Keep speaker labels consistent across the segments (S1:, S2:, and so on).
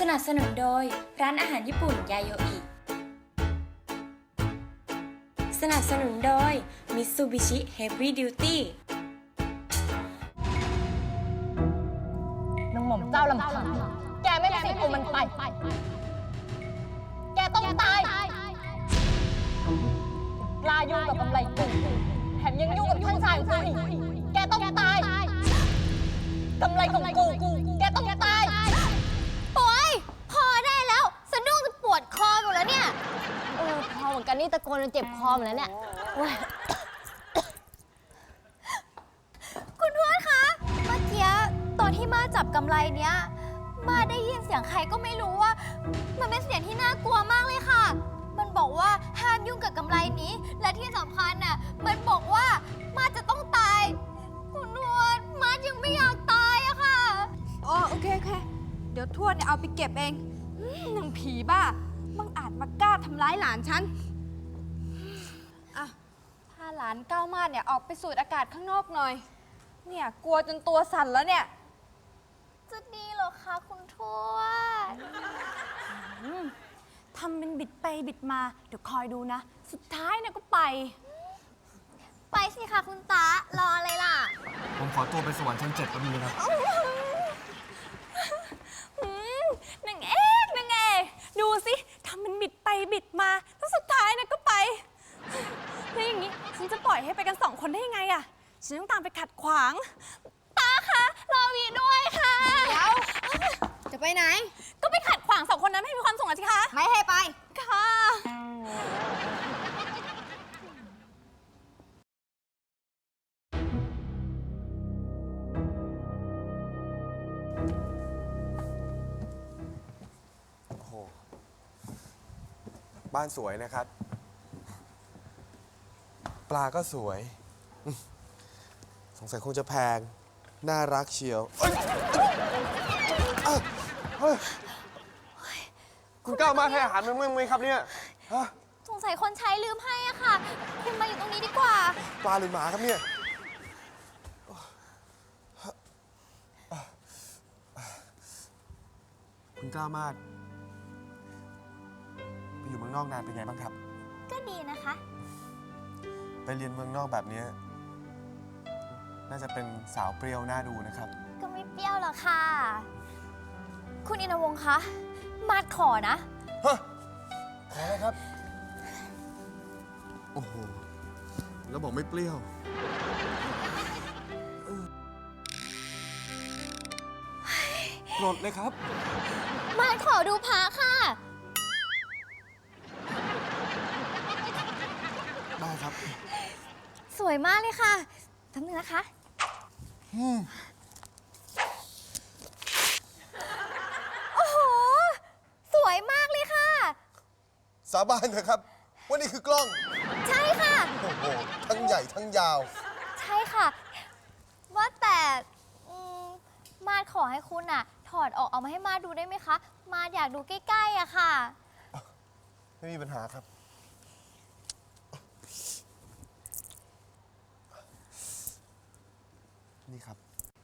S1: สนับสนุนโดยร้านอาหารญี่ปุ่นยาโยอิสนับสนุนโดย Mitsubishi Heavy Duty
S2: นางหม่อมเจ้าลำพังแกไม่มีสิทธิ์เอามันไปแกต้องตายกล้ายุ่งกับกำไรกูแถมยังยุ่งกับท่านชายของกูอีกแกต้องตายกำไรของกูแกต้องตาย
S3: โอ๊ยพอได้แล้วสะดุ้งจะปวดคอหมดแล้วเนี่ยพอเหมือนกันนี่ตะโกนจนเจ็บคอหมดแล้วเนี่ยคุณทวดคะเมื่อกี้ตอนที่มาจับกำไรเนี้ยมาได้ยินเสียงใครก็ไม่รู้ว่ามันเป็นเสียงที่น่ากลัวมากเลยค่ะมันบอกว่าห้ามยุ่งกับกำไรนี้และที่สำคัญน่ะมันบอกว่ามาจะต้องตายคุณทวดมายังไม่อยากตายอะค่ะ
S4: อ๋อโอเคเดี๋ยวทวดเนี่ยเอาไปเก็บเองนางผีบ้ามึงอาจมากล้าทำร้ายหลานฉันอ่ะพาหลานก้าวมาดเนี่ยออกไปสูดอากาศข้างนอกหน่อยเนี่ยกลัวจนตัวสั่นแล้วเนี่ย
S3: จะดีเหรอคะคุณทวด
S4: ทำเป็นบิดไปบิดมาเดี๋ยวคอยดูนะสุดท้ายเนี่ยก็ไป
S3: สิคะคุณตารออะไรล่ะ
S5: ผมขอตัวไปสวรรค์ชั้น7แป๊บนึงนะครับ
S4: นางเอกดูสิทำเป็นบิดไปบิดมาแล้วสุดท้ายเนี่ยก็ไปแล้วอย่างนี้ฉันจะปล่อยให้ไปกัน2 คนได้ยังไงอะฉันต้องตามไปขัดขวางตาคะรอวีด้วยค่ะเดี๋ยวจะไปไหนก็ไปขัดขวาง2 คนนั้นให้มีความสุขสิคะไม่ให้ไปค่ะ
S5: บ้านสวยนะครับปลาก็สวยสงสัยคงจะแพงน่ารักเชียวคุณก้าวมาให้อาหารมันมั้ยครับเนี่ย
S3: สงสัยคนใช้ลืมให้อะค่ะคุณมาอยู่ตรงนี้ดีกว่า
S5: ปลาหรือหมาครับเนี่ยคุณก้าวมาไปอยู่เมืองนอกนานเป็นไงบ้างครับ
S3: ก็ดีนะคะ
S5: ไปเรียนเมืองนอกแบบนี้น่าจะเป็นสาวเปรี้ยวน่าดูนะครับ
S3: ก็ไม่เปรี้ยวหรอกค่ะคุณอินทวงศ์คะมาดขอนะ
S5: ฮะขออะไรครับโอ้โหแล้วบอกไม่เปรี้ยวโกรธเลยครับ
S3: มาดขอดูพระค่ะ
S5: ได้ครับ
S3: สวยมากเลยค่ะทำหนึ่งนะคะโอ้โหสวยมากเลยค่ะ
S5: สาบานเถอะครับว่านี่คือกล้อง
S3: ใช่ค่ะ
S5: โอ้โหทั้งใหญ่ทั้งยาว
S3: ใช่ค่ะว่าแต่มาดขอให้คุณอะถอดออกเอามาให้มาดูได้ไหมคะมาดอยากดูใกล้ๆอะค่ะ
S5: ไม่มีปัญหาครับนี่ครับ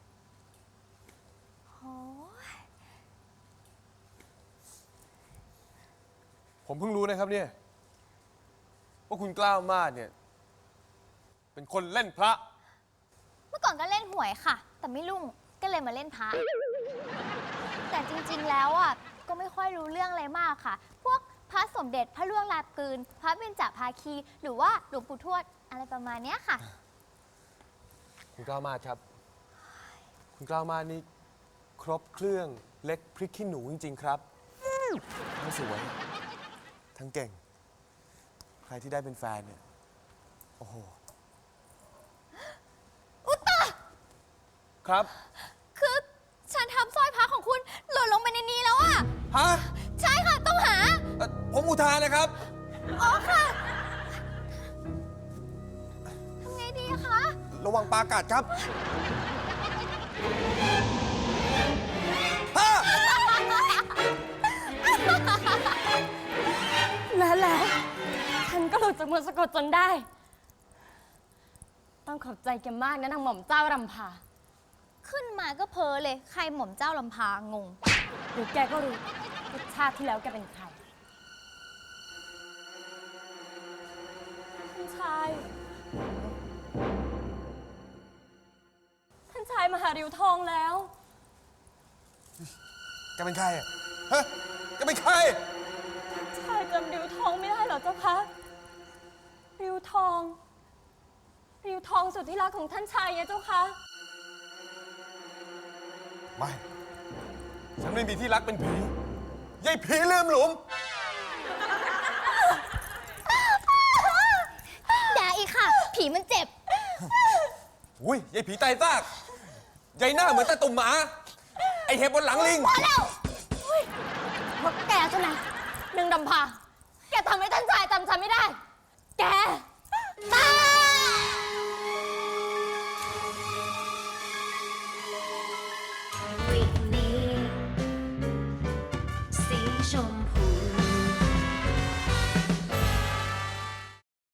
S5: ผมเพิ่งรู้นะครับเนี่ยว่าคุณกล้าวมาดเนี่ยเป็นคนเล่นพระ
S3: เมื่อก่อนก็เล่นหวยค่ะแต่ไม่รุ่งก็เลยมาเล่นพระแต่จริงๆแล้วอ่ะก็ไม่ค่อยรู้เรื่องอะไรมากค่ะพวกพระสมเด็จพระล่วงลาปืนพระเบญจภาคีหรือว่าหลวงปู่ทวดอะไรประมาณนี้ค่ะ
S5: คุณกล้าวมาดครับคุณกล้าวมาดนี่ครบเครื่องเล็กพริกขี้หนูจริงๆครับทั้งสวยทั้งเก่งใครที่ได้เป็นแฟนเนี่ยโอ้โห
S3: อุตตะ
S5: ครับ
S3: คือฉันทำสร้อยพระของคุณหล่นลงไปในนี้แล้วอะ
S5: ฮะ
S3: ใช่ค่ะต้องหา
S5: ผมอุทานนะครับ
S3: อ๋อค่ะทำไงดีคะ
S5: ระวังปลากัดครับ
S2: แล้วฉันก็หลุดจากมือสะกดจนได้ต้องขอบใจแกมากนะนางหม่อมเจ้ารำพา
S3: ขึ้นมาก็เพ้อเลย ใครหม่อมเจ้าลำพางง
S2: หรือแกก็รู้ว่าชาติที่แล้วแกเป็นใครท่านชาย ท่านชายมาหาริ้วทองแล้ว
S5: แกเป็นใครอะฮะแกเป็นใคร
S2: ชายจำริ้วทองไม่ได้เหรอเจ้าคะริ้วทองสุดที่รักของท่านชายไงเจ้าคะ
S5: ไม่ ฉันไม่มีที่รักเป็นผียายผีลืมหลุม
S3: อย่าอีกค่ะ ผีมันเจ็บ
S5: อุ้ยยายผีตายซากยายหน้าเหมือนตาตุ่มหมา ไอเห็บบนหลังลิง
S3: พอแล้ว
S2: เพราะแกใช่ไหมนางดำพา แกทำให้ท่านชายจำฉันไม่ได้ แกตาย
S6: วิกนี้สีชม